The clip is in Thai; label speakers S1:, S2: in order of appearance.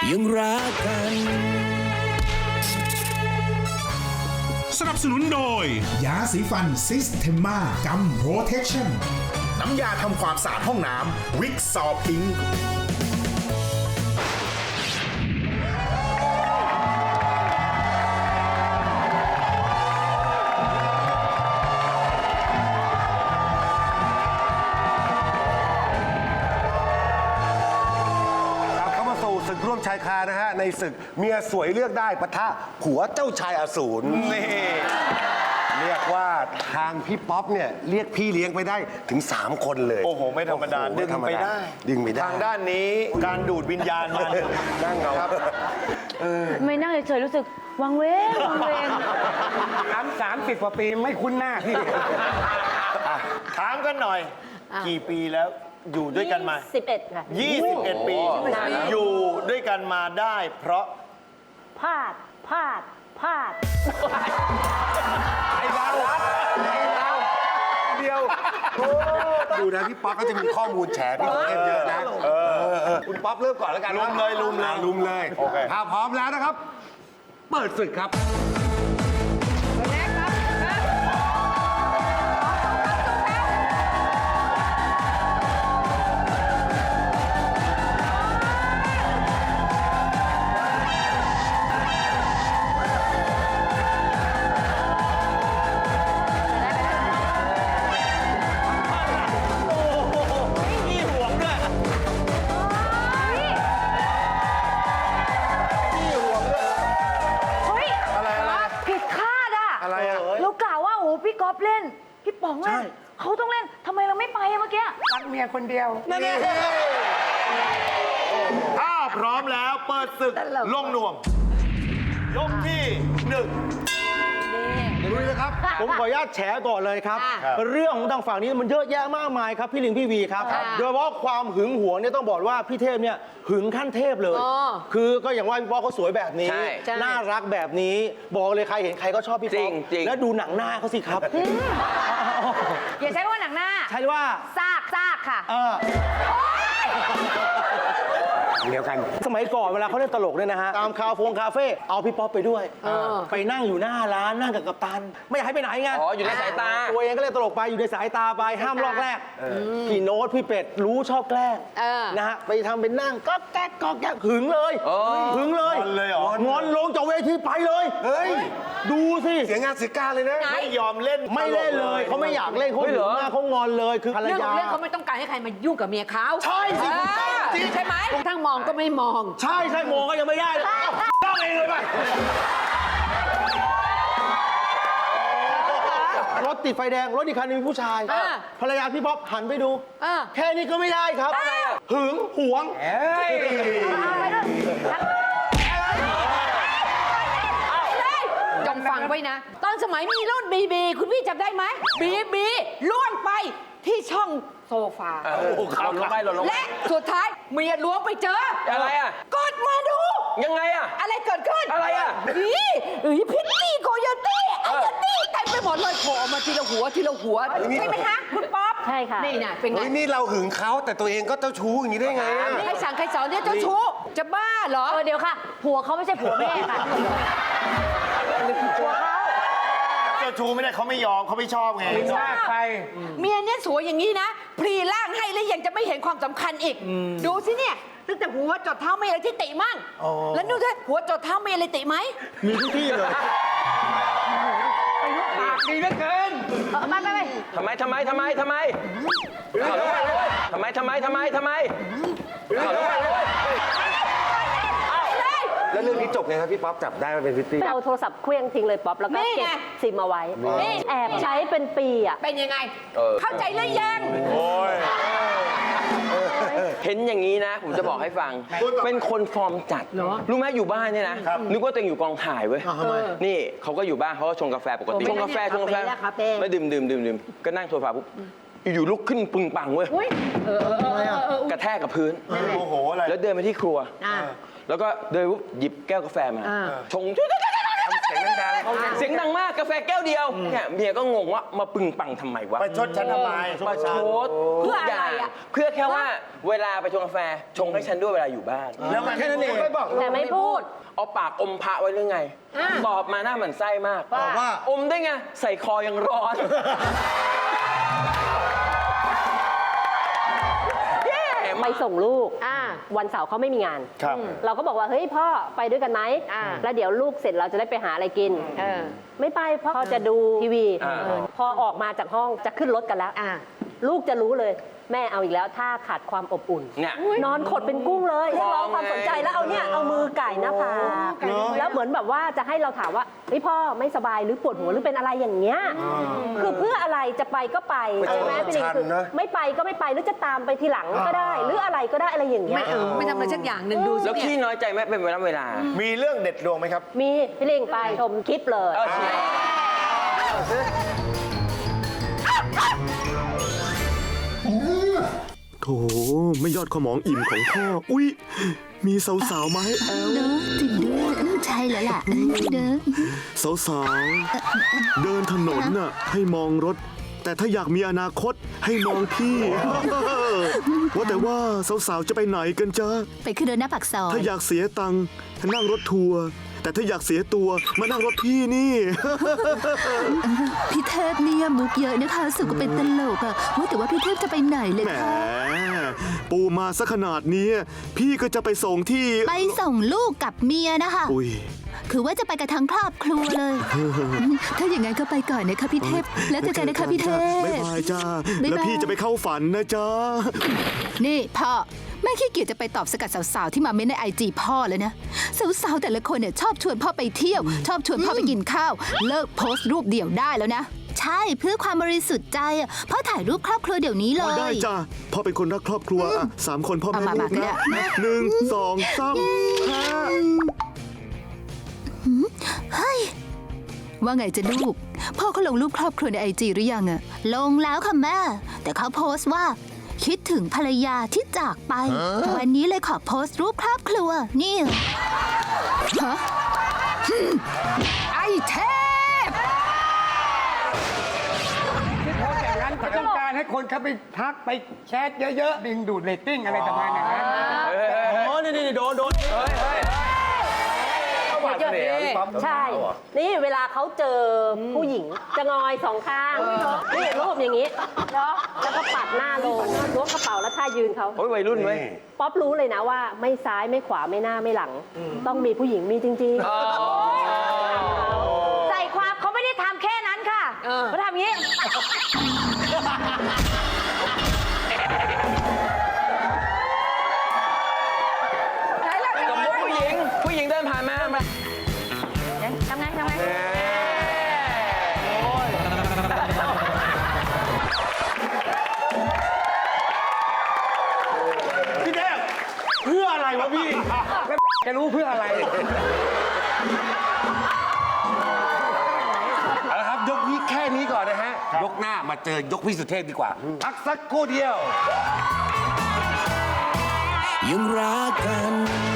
S1: ยังรักกัน
S2: สนับสนุนโดย
S3: ยาสีฟันซิสเทมากัมโปรเทคชั่น
S4: น้ำยาทำความสะอาดห้องน้ำวิกซอพิงค์
S5: ศึกร่วมชายคานะฮะในศึกเมียสวยเลือกได้ปะทะผัวเจ้าชายอสูรนี่เรียกว่าทางพี่ป๊อปเนี่ยเรียกพี่เลี้ยงไปได้ถึง3คนเลย
S4: โอ้โหไม่ธรรมดาดึงไปได้
S5: ทางด้านนี้การดูดวิญญาณมันนั่งเงาครับ
S6: ไม่นั่งเฉยๆรู้สึกวังเวงวังเวง
S5: 30 กว่าปีไม่คุ้นหน้าพี่
S4: ถามกันหน่อยกี่ปีแล้วอยู่ด้วยกันมา
S6: 21 ค่ะ
S4: 21 ปีอยู่ด้วยกันมาได้เพราะ
S6: พลาด
S5: ไอ้เราเดียวดูนะพี่ป๊อปก็จะมีข้อมูลแฉพี่เทพเยอะนะคุณป๊อปเริ่มก่อนแล้วกันลุมเลยถ้าพร้อมแล้วนะครับเปิดศึกครับ
S6: พี่ก๊อฟเล่นพี่ป๋องเล่นเขาต้องเล่นทำไมเราไม่ไปเมื่อกี้
S5: รักเมียคนเดียว
S4: นั่นเองถ้าพร้อมแล้วเปิดศึกลงนวมยกที่1
S5: ลุยเลยครับ
S7: ผมขออนุญาตแฉก่อนเลยครับเรื่องของทางฝั่งนี้มันเยอะแยะมากมายครับพี่ลิงพี่วีครับโดยเฉพาะความหึงหวงเนี่ยต้องบอกว่าพี่เทพเนี่ยหึงขั้นเทพเลยคือก็อย่างว่าพี่ป๊อกเขาสวยแบบนี้น่ารักแบบนี้บอกเลยใครเห็นใครก็ชอบพี่ป๊อกแล้วดูหนังหน้าเขาสิครับ
S6: อย่าใช้คำว่าหนังหน้า
S7: ใช่ว่า
S6: ซากค่ะ
S7: เดียวกันสมัยก่อนเวลาเขาเล่นตลกเนี่ยนะฮะตามคาเฟ่เอาพี่ป๊อปไปด้วยไปนั่งอยู่หน้าร้านนั่งกับกัปตันไม่อยากให้ไปไหนไง
S8: อยู่ในสายตา
S7: ตัวเองก็เล่นตลกไปอยู่ในสายตาไปห้ามลอกแรกพี่โน้ตพี่เป็ดรู้ชอบแกล้งนะฮะไปทำเป็นนั่งก็แก๊กหึงเลยหึงเลยงอนลงจากเวทีไปเลยดูสิ
S5: เสียงานเสียการเลยนะ
S4: ไม่ยอมเล่น
S7: ไม่เล่นเลยเขาไม่อยากเล่นเขาหึงมากเขางอนเลยคือภรรยา
S6: เรื่องเขาไม่ต้องการให้ใครมายุ่งกับเมียเขา
S7: ใช่สิ
S6: ใช่ไหมทั้งมองก็ไม่มอง
S7: ใช่มองก็ยังไม่ได้เลยต้องเองเลยไปรถติดไฟแดงรถอีกคันนึงมีผู้ชายภรรยาพี่ป๊อปหันไปดูแค่นี้ก็ไม่ได้ครับหึงหวง
S6: จงฟังไว้นะตอนสมัยมีรุ่นบีคุณพี่จำได้ไหมบีล่วงไปที่ช่องโซฟาและสุดท้ายเมียล้วงไปเจอ
S8: อะไรอ่ะ
S6: กดมาดู
S8: ยังไงอ่ะ
S6: อะไรเกิดขึ้น
S8: อะไรอ่ะ
S6: พิตตี้โคโยตี้ไอ้ยันนี่เต็มไปหมดเลยโผล่มาทีละหัวใช่ไหมคะคุณป๊อปใช่ค่ะนี่นะเป็นไง
S5: นี่เราหึงเขาแต่ตัวเองก็เจ้าชู้อย่างนี้ได้ไง
S6: ใครสั่งใครสอนเนี่ยเจ้าชู้จะบ้าเหรอเดี๋ยวค่ะผัวเขาไม่ใช่ผัวแม่ค่ะผัวเขา
S4: เจ้าชู้ไม่ได้เขาไม่ยอมเขาไม่ชอบไง
S6: ใครเมียเนี่ยสวยอย่างนี้นะพลีร่างให้แล้วยังจะไม่เห็นความสำคัญอีกดูสิเนี่ยตั้งแต่หัวจดเท้าไม่อะไรที่ติมั่งแล้วดูด้วยหัวจดเท้าไม่อะไรติไหม
S7: มีทุกที่เลย
S6: ปากดีเหลือเกินไป
S8: ทำไม
S5: แล้วเรื่องนี้จบไงครับพี่ป๊อปจับได้มาเป็นพิตตี้
S9: เอาโทรศัพท์เคลื่องทิ้งเลยป๊อปแล้วก็เก็บซิมเอาไว้แอบใช้เป็นปีอ่ะ
S6: เป็นยังไงเข้าใจหรือยัง
S8: เห็นอย่างนี้นะผมจะบอกให้ฟังเป็นคนฟอร์มจัดรู้ไหมอยู่บ้านเนี่ยนะนึกว่าตัวเองอยู่กองถ่ายเว้ยนี่เขาก็อยู่บ้านเขาก็ชงกาแฟปกติชงกาแฟแล้วดื่มก็นั่งโซฟาปุ๊บอยู่ลุกขึ้นปึงปังเว้ยกระแทกกับพื้นแล้วเดินไปที่ครัวแล้วก็เดินปุ๊บหยิบแก้วกาแฟมาชงทำเเสียงดังมากกาแฟแก้วเดียวเนี่ยเมียก็งงว่ามาปึงปังทำไมวะ
S4: ไปชดฉันทำไม
S8: ประชดทุกอย่างเพื่อแค่ว่าเวลาไปชงกาแฟชงให้ฉันด้วยเวลาอยู่บ้าน
S4: แล้วมันแค่นั้นเอง
S9: แต่ไม่พูด
S8: เอาปากอมพระไว้หรือไง ตอบมาหน้าหมันไส้มาก
S7: ว่า
S8: อมได้ไง ใส่คอยังร้อน
S9: ไปส่งลูกวันเสาร์เขาไม่มีงาน
S4: ครับ
S9: เราก็บอกว่าเฮ้ยพ่อไปด้วยกันไหมแล้วเดี๋ยวลูกเสร็จเราจะได้ไปหาอะไรกินไม่ไปพ่อจะดูทีวี พอออกมาจากห้องจะขึ้นรถกันแล้วลูกจะรู้เลย แม่เอาอีกแล้วถ้าขาดความอบอุ่น
S8: เนี่ย
S9: นอนขดเป็นกุ้งเลยเรียกร้องความสนใจแล้วเอาเนี่ยเอามือไก่หน้าผากแล้วเหมือนแบบว่าจะให้เราถามว่าเฮ้ยพ่อไม่สบายหรือปวดหัวหรือเป็นอะไรอย่างเงี้ยคือเพื่ออะไรจะไปก็ไปใช่ไหมพี่ลิงคือไม่ไปก็ไม่ไปหรือจะตามไปทีหลังก็ได้ หรืออะไรก็ได้อะไรอย่างเงี้ย
S6: ไม่ทำอะไรสักอย่างหนึ่งดูสิ
S8: แล้วขี้น้อยใจไหมเป็นเวลา
S4: มีเรื่องเด็ดดวงไหมครับ
S9: มีพี่ลิงไปชมคลิปเลย
S8: เออใช่
S1: โถไม่ยอดขมองอิ่มของพ่อ อุ๊ย มีสาวๆมาให้แอล
S10: เนอะจริงด้วยใช่แล้วล่ะเนอะ
S1: สาวๆ เดินถนนน่ะให้มองรถ แต่ถ้าอยากมีอนาคตให้มองพี่ ว่าแต่ว่าสาวๆ จะไปไหนกันจ๊ะ
S10: ไปขึ้นรถหน้าปากซอย
S1: ถ้าอยากเสียตังค์ให้นั่งรถทัวร์ แต่ถ้าอยากเสียตัวมานั่งรถพี่นี่
S10: พี่เทพเนี่ยมุกเยอะนะคะสุก็เป็นตลกอะว่าแต่ว่าพี่เทพจะไปไหนเลย
S1: แหม
S10: คะ
S1: ปูมาซะขนาดนี้ พี่ก็จะไปส่งที่
S10: ไปส่งลูกกับเมียนะคะ
S1: อุ๊ย
S10: คือว่าจะไปกับทั้งครอบครัวเลย ถ้าอย่างนั้นก็ไปก่อนนะคะพี่เทพ แล้วเจอกันนะคะพี่เทพ
S1: บ๊ายบายจ้า
S10: บ๊ายบาย
S1: แล้วพี่จะไปเข้าฝันนะจ๊ะ
S10: นี่พ่อแม่ขี้เกียจจะไปตอบสกัดสาวๆที่มาเม้นในไอจีพ่อเลยนะสาวๆแต่ละคนเนี่ยชอบชวนพ่อไปเที่ยว ชอบชวนพ่อไปกินข้าว เลิกโพสต์รูปเดี่ยวได้แล้วนะ ใช่เพื่อความบริสุทธิ์ใจอะพ่อถ่ายรูปครอบครัวเดี๋ยวนี้เลย
S1: ได้จ้าพ่อเป็นคนรักครอบครัวอ่ะ3 คนพ่อแม่
S10: เอามา
S1: ลูก
S10: ก็ได้
S1: นะ1 2 3
S10: เฮ้ยว่าไงจะลูก พ่อเขาลงรูปครอบครัวในไอจีหรือยังอะลงแล้วค่ะแม่ แต่เขาโพสต์ว่า คิดถึงภรรยาที่จากไป วันนี้เลยขอโพสต์รูปครอบครัว นี่ฮะไอเทพ
S11: เขาต้องการให้คนเขาไปทักไปแชทเยอะๆ ดึงดูดเรตติ้งอะไรประมาณอย่างนั้น
S7: อ๋อ นี่โดน
S9: ใช่ นี่เวลาเขาเจอผู้หญิงจะงอยสองข้าง นี่รูปอย่างนี้ แล้วก็ปัดหน้าลงล้วงกระเป๋าแล้วท่ายืนเขา
S8: โอ้ยวัยรุ่นเว้ย
S9: ป๊อปรู้เลยนะว่าไม่ซ้ายไม่ขวาไม่หน้าไม่หลัง ต้องมีผู้หญิงมีจริงๆ ใส่ความเขาไม่ได้ทำแค่นั้นค่ะเขาทำอย่างนี้
S8: สมมติผู้หญิงเดินผ่านมา
S9: ทำไง
S7: พี่เทพเพื่ออะไรวะพี่
S11: จะรู้เพื่ออะไร
S5: เอาละครับ ยกนี้แค่นี้ก่อนนะฮะ ยกหน้ามาเจอยกพี่สุเทพดีกว่า พักสักครู่เดียว
S12: ยังรักกัน